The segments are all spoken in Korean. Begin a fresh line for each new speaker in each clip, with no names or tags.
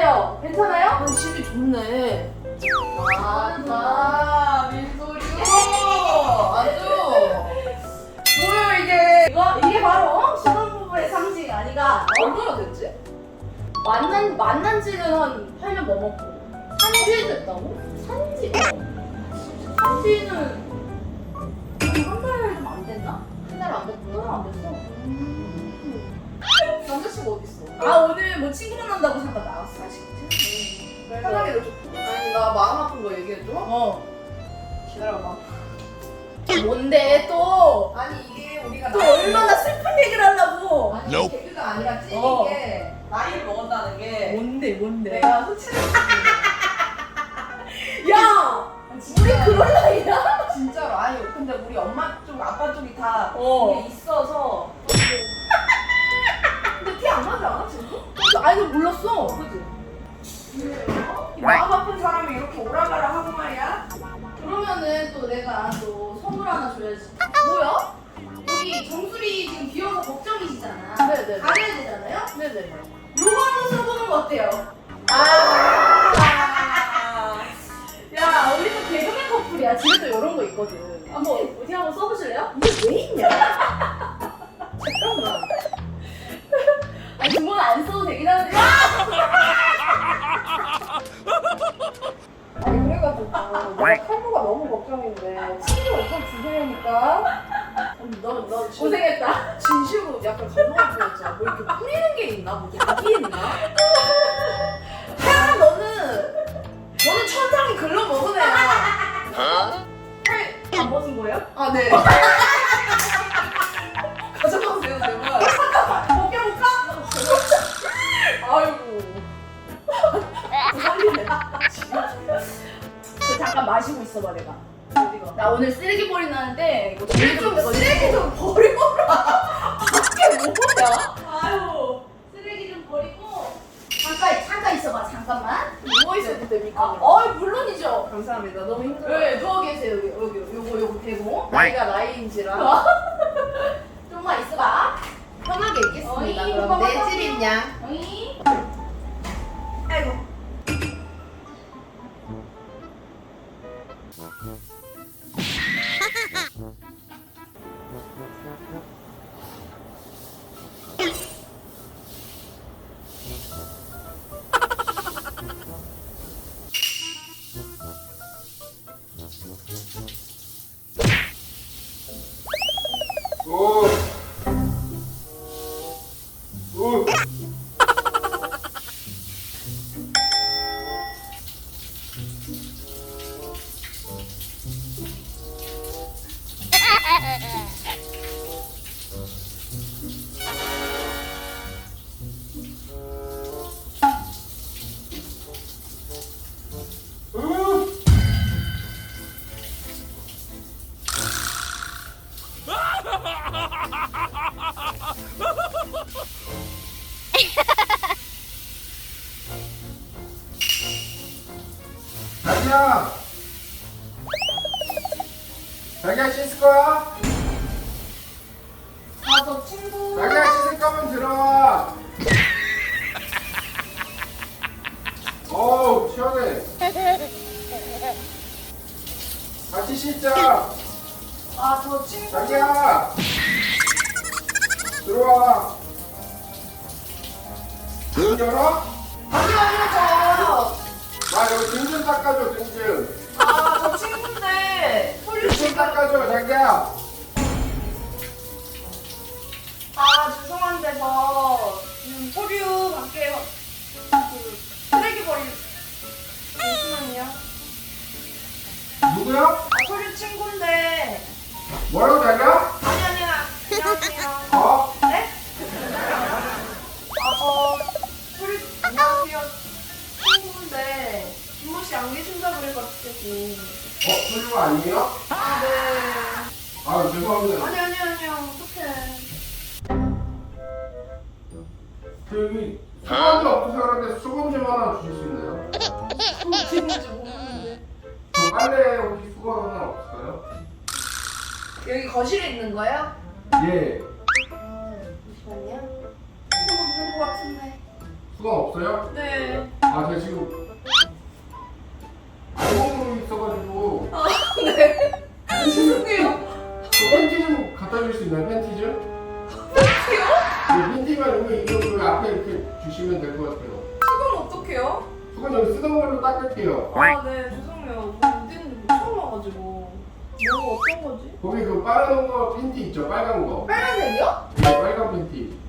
어때요? 괜찮아요?
집이 좋네.
맞아.
민소리요. 아주. 뭐야 이게?
이게 바로 신혼부부의 상징 아니가?
얼마나 됐지?
만난 지는 한 8년 넘었고. 산지 됐다고? 산지? 산지는 한 달 좀 안 됐나? 한 달 안 됐구나. 안 됐어.
남자친구 어디 있어?
아 오늘 뭐 친구 만난다고 잠깐 나왔어. 그래서
편하게 해줘. 아니 나 마음 아픈 거 얘기해줘. 기다려봐.
뭔데 또?
아니 이게 우리가
또 얼마나 슬픈 얘기를 하려고?
아니 개그가 아니라 찐인
어.
게 나이를 먹었다는 게
뭔데?
내가 흑치를
야! 우리 그런 나이야?
진짜로 아니 근데 우리 엄마 쪽 아빠 쪽이 다
어.
이게 있어서 근데 티 안 나지 않아 지금?
아니 몰랐어.
그지? 이 마음 아픈 사람이 이렇게 오라가라 하고 말이야?
그러면은 또 내가 또 선물 하나 줘야지. 뭐야? 여기 정수리 지금 비어서 걱정이시잖아.
네네.
가려야 되잖아요?
네네.
요거 한번 써보는 거 어때요? 야, 우리 또 개그맨 커플이야. 집에 또 이런 거 있거든. 한번 어디 한번 써보실래요?
이게 왜 있냐?
잠깐만. 아니, 그건 안 써도 되긴 하는데.
아니 그래가지고 내가 탈모가 너무 걱정인데 친구 엄청 주세요니까 너
고생했다.
진심으로 약간 감동을 보였잖아. 뭐 이렇게 뿌리는 게 있나? 뭐 약이 있나? 태연아 너는 천장이 글러 먹은 애야.
안 벗은 거예요?
아 네. 가져가도 돼요 제발.
벗겨볼까?
아이고.
살리네. 잠깐 마시고 있어봐, 내가.
어디가?
나 오늘 쓰레기 버리 나는데 이거
우리 좀 쓰레기 좀 버리거라. 이게 뭐야?
아유, 쓰레기 좀 버리고 잠깐 있어봐, 잠깐만.
누워 있어도 됩니까?
물론이죠.
감사합니다. 너무 힘들어요.
네, 누워 계세요. 여기 요거 대고.
나이가 나이인지라
좀만 있어봐.
편하게 있겠습니다.
어이,
그럼
봐봐,
내
봐봐.
집이냐?
어이.
아이고.
오. 오. 자기야. 자기야 씻을 거야?
저 친구.
자기야 씻을 거면 들어와. 어우 시원해. 같이 씻자.
저 친구.
자기야 들어와. 문 열어?
아니요
나 여기 등 좀 닦아줘 등좀.
저 친구인데
등 좀 닦아줘 자기야.
죄송한데 저 지금 포류 밖에 쓰레기 버릴 잠시만요.
누구야?
포류 친구인데
뭐라고 자기야?
아니야 안녕하세요.
어?
네? 저 포류 안녕하세요 친구인데 김모 씨 안 계신다 그래가지고
소리가 아니에요?
네.
아 죄송합니다.
아니요 어떡해.
저기 수건지 없어서 그런데 수건 좀 하나 주실 수 있나요?
누군지 모르는데
저 빨래 혹시 수건 하나 없을까요?
여기 거실에 있는 거예요?
예.
잠시만요. 수건 없는 것 같은데.
수건 없어요?
네.
아 제가 지금 알몸으로 있어가지고
네. 죄송해요.
저 팬티 좀 갖다 줄 수 있나요? 팬티 좀?
팬티요?
네, 팬티만 여기 이거 앞에 이렇게 주시면 될 것 같아요.
수건 어떡해요?
수건 여기 쓰던 걸로 닦을게요.
아, 네, 죄송해요. 어딘지 처음 와가지고. 뭐 어떤 거지?
거기 그 빨간 거 팬티 있죠? 빨간 거.
빨간색이요?
네, 빨간 팬티.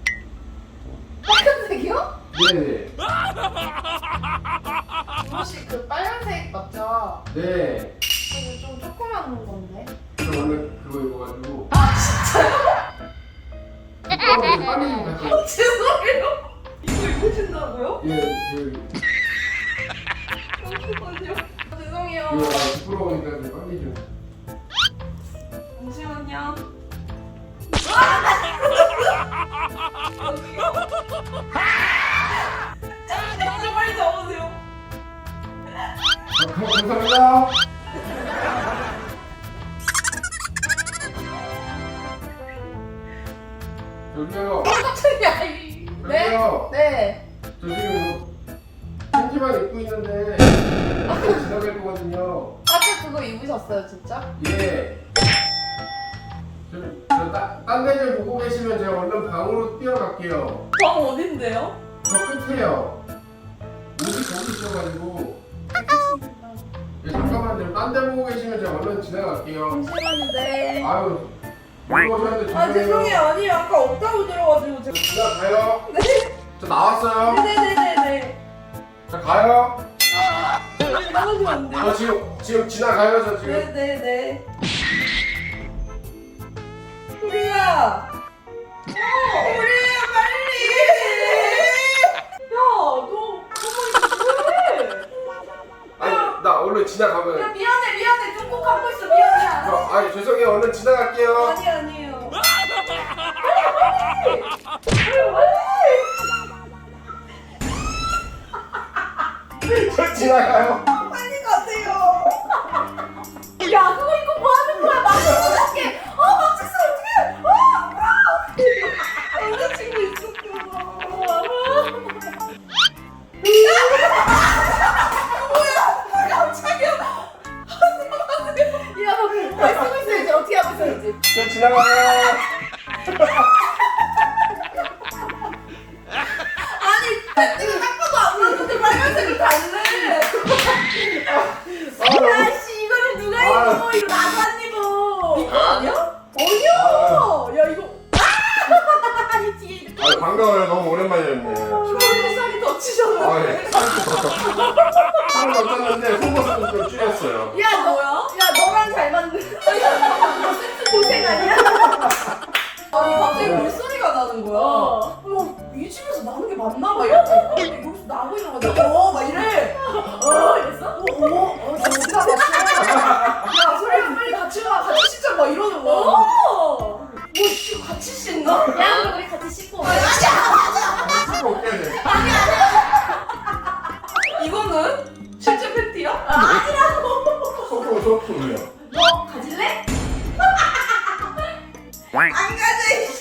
빨간색이요?
네네.
혹시 그 빨간색 맞죠?
네.
이거 좀 조그만 건데.
저 원래 그거 입어가지고. 아 진짜요? 빨리 좀 갖다.
죄송해요. 이거 입으신다고요?
예, 여기.
잠시만요. 죄송해요.
이거 부끄러우니까 좀 빨리 좀.
잠시만요. 진짜 빨리 잡으세요.
감사합니다. 저기요.
깜짝이야. 네?
저기요.
네.
저 지금 팬티만 입고 있는데 지나갈 거거든요.
아까 그거 입으셨어요, 진짜?
예. 딴 데를 보고 계시면 제가 얼른 방으로 뛰어갈게요.
방 어딘데요?
저 끝에요. 옷이 거기 있어가지고. 예, 잠깐만요. 딴 데 보고 계시면 제가 얼른 지나갈게요.
잠시만요, 네.
아유. 들어오셨는데
아, 죄송해요. 아니, 아까 없다고 들어가지고 제가.
지나가요.
네.
저 나왔어요.
네네네네.
자 가요.
나가시면 안 돼요.
저 지금 지나가요. 저 지금.
네네네. 우리야! 우리야, 빨리! 야, 너 가만히 있어.
아니 나 얼른
야,
지나가면.
미안해. 눈꼭 감고 있어. 미안해.
아니 죄송해요. 얼른 지나갈게요.
아니에요.
저 지나가요.
빨리 가세요. 야, 그거 입고 뭐 하는 거야? 어떡해. 막혔어, 어떡해. 남자친구 있었구나. 뭐야, 깜짝이야. 야, 너 말씀을 써야지. 어떻게 하고 있어야지.
저 지나가요.
아니, 팬티가 딱 봐도 안 맞는데 빨간색을 달래. 야씨, 이거를 누가 입어? 이거 나도 안 입어. 이거 아니야? 아니야. 야, 이거. 이 뒤에 이렇게.
아 반가워요. 너무 오랜만이었네.
주머니에 살이 더 치셨는데.
아 예. 살을 더 쪘는데 속옷은 좀 줄였어요.
야, 뭐야? 야, 너랑 잘 맞는. 너 세트 고생 아니야? 아니, 갑자기 물소리가 나는 거야. 어머, 이 집에서 나는 게 맞나 봐. 이러니까 여기서 나고 있는 거야. 막 이래. 이랬어? 진짜 맞어. 야, 소리야, 빨리 같이 와. 같이 씻자. 막 이러는 거야. 뭐, 같이 씻나? 야, 그럼 우리 같이 씻고. 아니야.
씻고 올게요. 네.
이거는 실제 팬티야? 아니라고.
소프로요.
너 가질래? 안 가져.